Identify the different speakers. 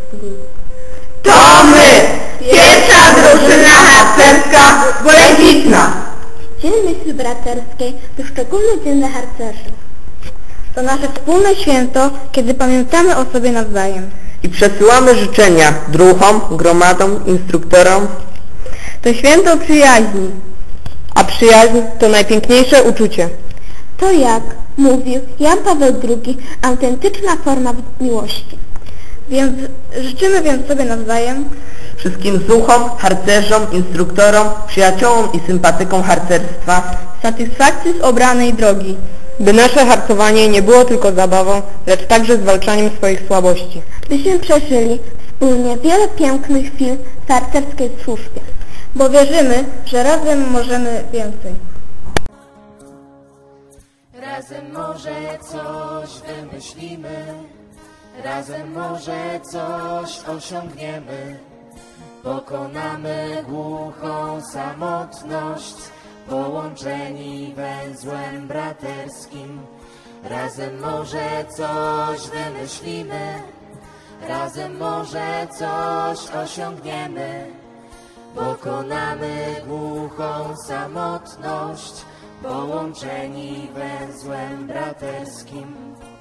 Speaker 1: To my! Pierwsza drużyna harcerska Bolesitna!
Speaker 2: Dzień Myśli Braterskiej to szczególny dzień dla harcerzy.
Speaker 3: To nasze wspólne święto, kiedy pamiętamy o sobie nawzajem.
Speaker 1: I przesyłamy życzenia druhom, gromadom, instruktorom.
Speaker 3: To święto przyjaźni, a przyjaźń to najpiękniejsze uczucie.
Speaker 2: To jak mówił Jan Paweł II, autentyczna forma miłości.
Speaker 3: Więc życzymy sobie nawzajem
Speaker 1: Wszystkim zuchom, harcerzom, instruktorom, przyjaciołom i sympatykom harcerstwa
Speaker 3: satysfakcji z obranej drogi, by nasze harcowanie nie było tylko zabawą, lecz także zwalczaniem swoich słabości.
Speaker 2: Byśmy przeżyli wspólnie wiele pięknych chwil w harcerskiej służbie.
Speaker 3: Bo wierzymy, że razem możemy więcej.
Speaker 4: Razem może coś wymyślimy, razem może coś osiągniemy. Pokonamy głuchą samotność, połączeni węzłem braterskim. Razem może coś wymyślimy, razem może coś osiągniemy. Pokonamy głuchą samotność, połączeni węzłem braterskim.